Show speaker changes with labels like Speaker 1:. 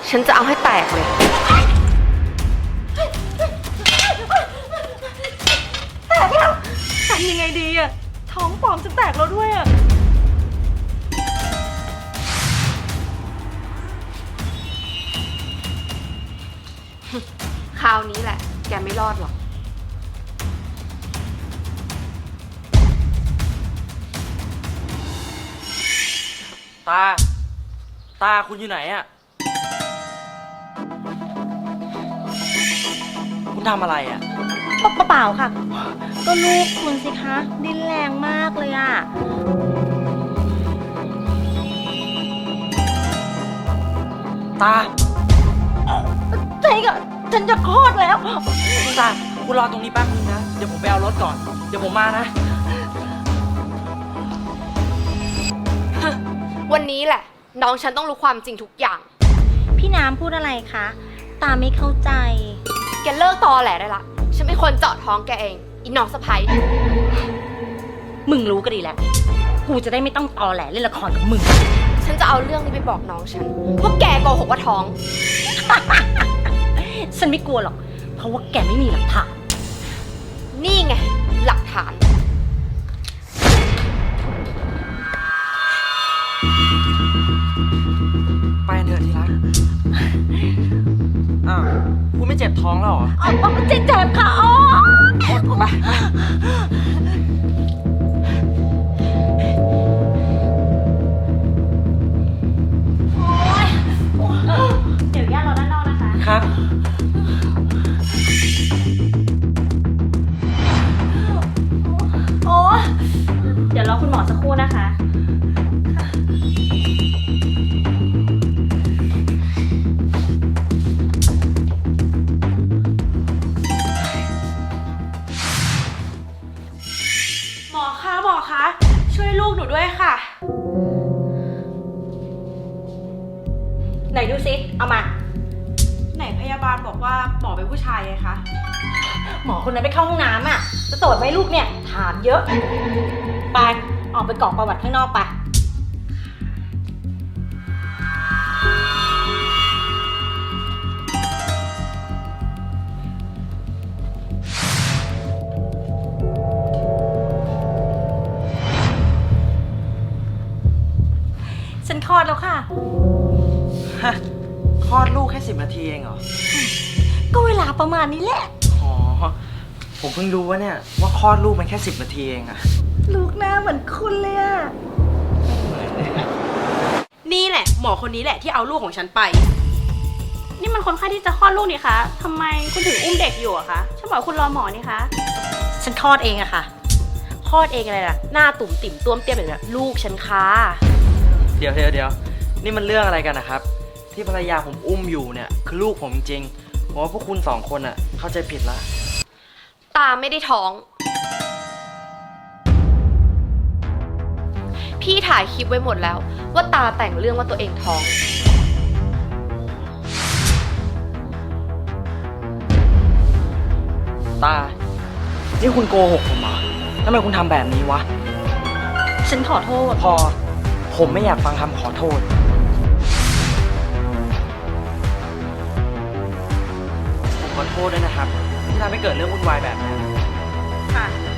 Speaker 1: ฉันจะเอาให้แตกเลย
Speaker 2: แตกแล้วทำยังไงดีอะท้องปลอมจะแตกแล้วด้วยอะ
Speaker 1: คราวนี้แหละแกไม่รอดหรอก
Speaker 3: ตาคุณอยู่ไหนอะคุณทำอะไรอะ
Speaker 2: เปล่าค่ะก็ลูกคุณสิคะดิ้นแรงมากเลยอะ
Speaker 3: ตา
Speaker 2: ใจก็ฉันจะคลอดแล้ว
Speaker 3: คุณตาคุณรอตรงนี้แป๊บนึงนะ เดี๋ยวผมไปเอารถก่อน เดี๋ยวผมมานะ
Speaker 1: วันนี้แหละน้องฉันต้องรู้ความจริงทุกอย่าง
Speaker 2: พี่น้ำพูดอะไรคะตาไม่เข้าใจ
Speaker 1: แกเลิกตอแหลได้ละฉันเป็นคนเจาะท้องแกเองอีน้องสะใภ้
Speaker 2: มึงรู้ก็ดีแล้วกูจะได้ไม่ต้องตอแหลเล่นละครกับมึง
Speaker 1: ฉันจะเอาเรื่องนี้ไปบอกน้องฉันเพราะแกโกหกว่าท้อง
Speaker 2: ฉันไม่กลัวหรอกเพราะว่าแกไม่มีหลักฐาน
Speaker 1: นี่ไงหลักฐาน
Speaker 3: ไปเถอะทีรักอ้าวคุณไม่เจ็บท้องแล้วเหรอ
Speaker 2: เจ็บค่ะอ๋อ
Speaker 3: ไป
Speaker 2: เดี๋ยวย่ารอด้านนอกนะคะ
Speaker 3: ครับ
Speaker 2: โอ้เดี๋ยวรอคุณหมอสักครู่นะคะหมอคะช่วยลูกหนูด้วยค่ะไหนดูซิเอามา
Speaker 4: ไหนพยาบาลบอกว่าหมอเป็นผู้ชายไงคะ
Speaker 2: หมอคนนั้นไปเข้าห้องน้ำอ่ะจะตรวจไหมลูกเนี่ยถามเยอะไปออกไปกรอกประวัติข้างนอกไปฉันคลอดแล้วค่ะ
Speaker 3: ฮะคลอดลูกแค่10 นาทีเองเหรอ
Speaker 2: ก็เวลาประมาณนี้แหละ
Speaker 3: อ๋อ ผมเพิ่งรู้ว่าเนี่ยว่าคลอดลูกมันแค่10 นาทีเองอะ
Speaker 2: ลูกหน้าเหมือนคุณเลยอะ
Speaker 4: นี่แหละหมอคนนี้แหละที่เอาลูกของฉันไปนี่มันคนไข้ที่จะคลอดลูกนี่คะทำไมคุณถึงอุ้มเด็กอยู่อะคะฉันบอกคุณรอหมอนี่คะ
Speaker 2: ฉันคลอดเองอะค่ะ
Speaker 4: คลอดเองอะไรล่ะหน้าตุ่มติ่มต้วมเตี้ยแบบนี้ลูกฉันค่ะ
Speaker 3: เดี๋ยวนี่มันเรื่องอะไรกันนะครับ ที่ภรรยาผมอุ้มอยู่เนี่ยคือลูกผมจริงๆผมว่าพวกคุณ2 คนอะเข้าใจผิดละ
Speaker 1: ตาไม่ได้ท้อง พี่ถ่ายคลิปไว้หมดแล้วว่าตาแต่งเรื่องว่าตัวเองท้อง
Speaker 3: ตานี่คุณโกหกผมเหรอทำไมคุณทำแบบนี้วะ
Speaker 2: ฉันขอโทษ
Speaker 3: พอผมไม่อยากฟังคำขอโทษผมขอโทษด้วยนะครับที่ทำให้เกิดเรื่องวุ่นวายแบบนี้
Speaker 2: ค่ะ